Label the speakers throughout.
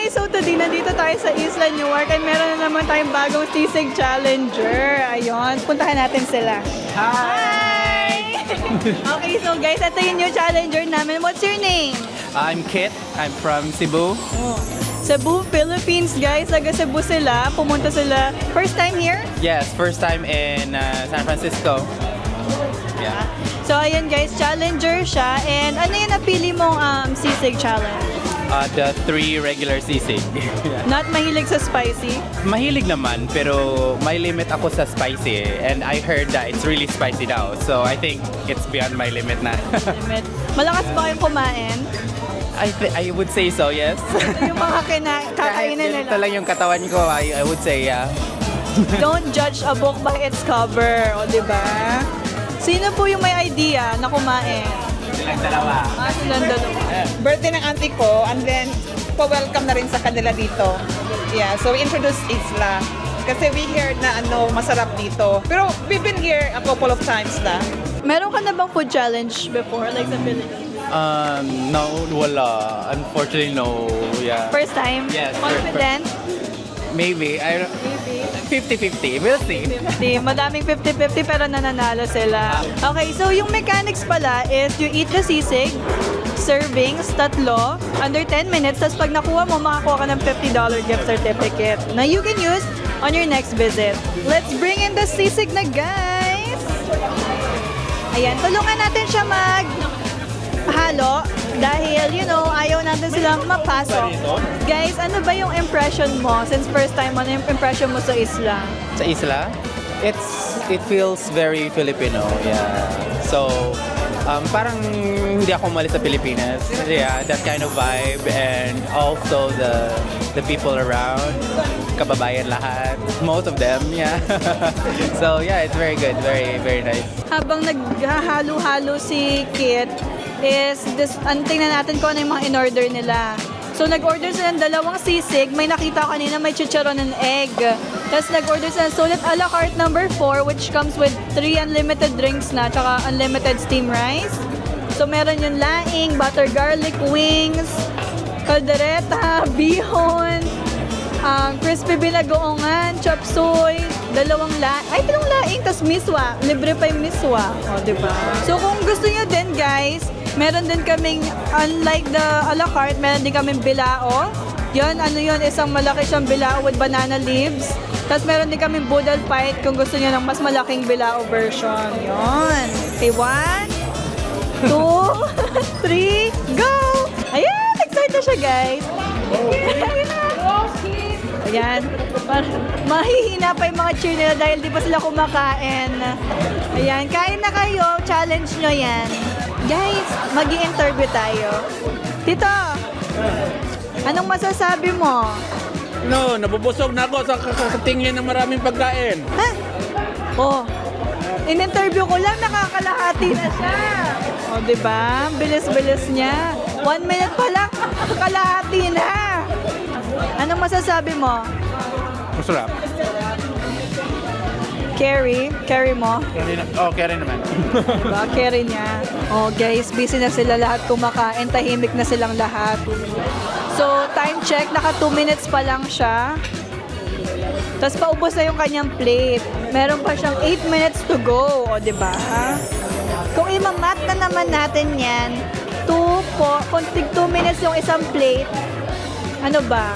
Speaker 1: guys, so today nandito tayo sa Isla Newark and meron na naman tayong bagong sisig challenger. Ayun, puntahan natin sila. Hi! Okay, so guys, ito yung new challenger namin. What's your name?
Speaker 2: I'm Kit. I'm from Cebu.
Speaker 1: Cebu, Philippines, guys. Taga Cebu sila. Pumunta sila. First time here?
Speaker 2: Yes, first time in San Francisco. Yeah.
Speaker 1: So, ayun guys, challenger siya. And ano yung napili mong sisig challenge?
Speaker 2: The 3 regular sisig.
Speaker 1: Not mahilig sa spicy?
Speaker 2: Mahilig naman, pero may limit ako sa spicy. And I heard that it's really spicy now. So I think it's beyond my limit na.
Speaker 1: Limit. Malakas ba kayong kumain?
Speaker 2: I would say so, yes.
Speaker 1: Yung mga
Speaker 2: Kahit
Speaker 1: kakainin
Speaker 2: ganito
Speaker 1: nila.
Speaker 2: lang yung katawan ko, I would say, yeah.
Speaker 1: Don't judge a book by its cover. O, diba? Sino po yung may idea na kumain?
Speaker 2: Silang dalawa.
Speaker 1: Silang dalawa.
Speaker 3: Birthday ng auntie ko, and then pa-welcome na rin sa kanila dito. Yeah, so we introduced Isla. Kasi we heard na masarap dito. Pero we've been here a couple of times na.
Speaker 1: Meron ka na bang food challenge before? Like sa Philippines?
Speaker 2: No, wala. Unfortunately, no. Yeah.
Speaker 1: First time?
Speaker 2: Yes,
Speaker 1: Confident?
Speaker 2: Maybe.
Speaker 1: Maybe.
Speaker 2: 50-50. We'll see.
Speaker 1: 50. Madaming 50-50 pero nananalo sila. Okay, so yung mechanics pala is you eat the sisig, servings, 3, under 10 minutes, tapos pag nakuha mo, makakuha ka ng $50 gift certificate na you can use on your next visit. Let's bring in the sisig na, guys! Ayan, tulungan natin siya halo dahil, ayaw natin silang mapasok. Guys, ano ba yung impression mo since first time mo? Ano yung impression mo sa isla?
Speaker 2: Sa isla, it feels very Filipino, yeah. So, parang hindi ako umalis sa Pilipinas. Yeah, that kind of vibe, and also the people around, kababayan lahat, most of them, yeah. So yeah, it's very good, very very nice.
Speaker 1: Habang naghahalo-halo si Kit, tingnan natin kung ano yung mga in-order nila. So, nag-order sila ng 2 sisig. May nakita ko kanina, may chicharon and egg. Tapos, nag-order sila ng sulit a la carte number 4, which comes with 3 unlimited drinks na, tsaka unlimited steam rice. So, meron yung laing, butter garlic wings, kaldereta, bihon, crispy binagoongan, chop suey, 2 laing, tas miswa. Libre pa yung miswa. O, diba? So, kung gusto nyo din, guys, meron din kaming, unlike the a la carte, meron din kaming bilao. Yun, isang malaki siyang bilao with banana leaves. Tapos meron din kaming boodle fight kung gusto nyo ng mas malaking bilao version. Yun. Okay, 1, 2, 3, go! Ayan, excited na siya, guys. Ayan. Mahihina pa yung mga cheer nila dahil di pa sila kumakain. Ayan, kain na kayo. Challenge nyo yan. Guys, mag-i-interview tayo. Tito, anong masasabi mo?
Speaker 4: No, nabubusog na ako sa kakatingin ng maraming pagkain.
Speaker 1: Ha? Oh, in-interview ko lang, nakakalahati na siya. O, diba? Bilis-bilis niya. 1 minute pa lang, kalahati na. Anong masasabi mo?
Speaker 4: Masarap.
Speaker 1: Carry mo?
Speaker 4: Carry naman.
Speaker 1: Diba? Carry niya. Oh, guys, busy na sila lahat kumakain. Tahimik na silang lahat. So, time check. Naka 2 minutes pa lang siya. Tapos paubos na yung kanyang plate. Meron pa siyang 8 minutes to go. O, diba? Kung imamat na naman natin yan, kung 2 minutes yung isang plate, ano ba?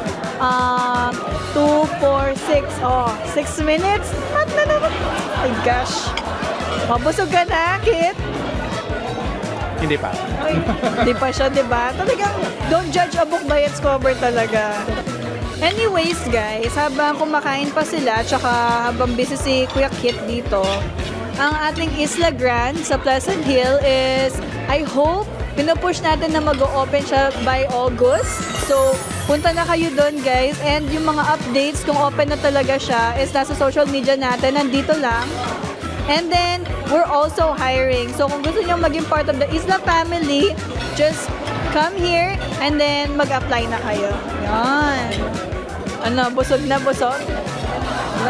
Speaker 1: 2, 4, 6. Oh, 6 minutes? Mat na naman. Oh my gosh. Mabusog ka na, Kit?
Speaker 4: Hindi pa.
Speaker 1: Ay, hindi pa siya, diba? Talagang, don't judge a book by its cover talaga. Anyways, guys, habang kumakain pa sila, tsaka habang busy si Kuya Kit dito, ang ating Isla Grande sa Pleasant Hill is, I hope, pinupush natin na mag-o-open siya by August. So, punta na kayo doon, guys. And yung mga updates kung open na talaga siya is nasa social media natin. Nandito lang. And then, we're also hiring. So, kung gusto nyo maging part of the Isla family, just come here and then mag-apply na kayo. Yan. Ano, busog na busog? Diba?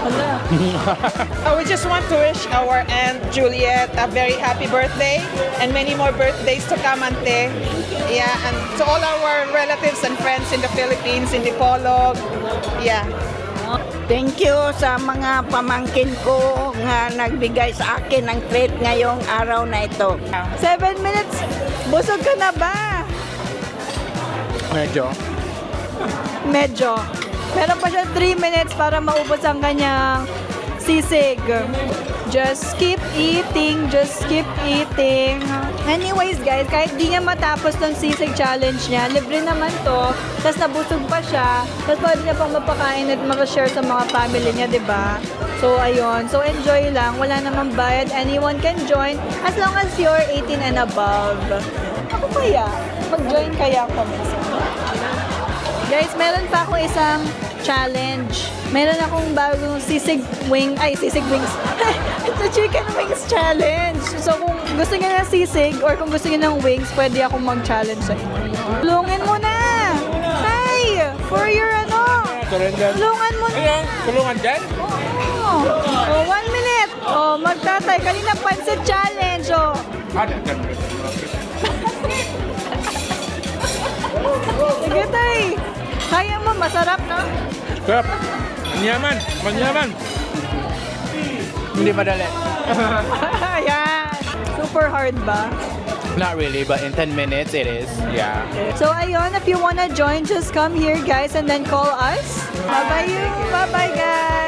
Speaker 1: Wala.
Speaker 3: We just want to wish our Aunt Juliet a very happy birthday and many more birthdays to come, Ante. Yeah, and to all our relatives and friends in the Philippines, in Dipolog. Yeah.
Speaker 5: Thank you sa mga pamangkin ko nga nagbigay sa akin ng treat ngayong araw na ito.
Speaker 1: 7 minutes. Busog ka na ba?
Speaker 2: Medyo.
Speaker 1: Medyo. Meron pa siya 3 minutes para maubos ang kanyang sisig. Just keep eating, just keep eating. Anyways guys, kahit di niya matapos tong sisig challenge niya, libre naman to, tapos nabusog pa siya, tapos pwede niya pang mapakain at makashare sa mga family niya, di ba? So ayun, so enjoy lang, wala namang bayad, anyone can join as long as you're 18 and above. Ako kaya, mag-join kaya ako minsan. Guys, meron pa akong isang challenge. Meron akong bagong sisig wings. It's a chicken wings challenge. So kung gusto niyo ng sisig or kung gusto niyo ng wings, pwede akong mag-challenge sa inyo. Tulungan mo na! Hi! For your ano? Tulungan mo na!
Speaker 4: Ayan, tulungan dyan.
Speaker 1: Oh, 1 minute. Oh, magtatay. Kanina pansit challenge. Oh. Sige, tay. Kaya mo, masarap, no?
Speaker 4: Sarap. Manyaman. Manyaman.
Speaker 2: Hindi madali.
Speaker 1: Ayan. Super hard ba?
Speaker 2: Not really, but in 10 minutes it is. Yeah.
Speaker 1: So, ayun, if you wanna join, just come here, guys, and then call us. Bye-bye you. Bye-bye, guys.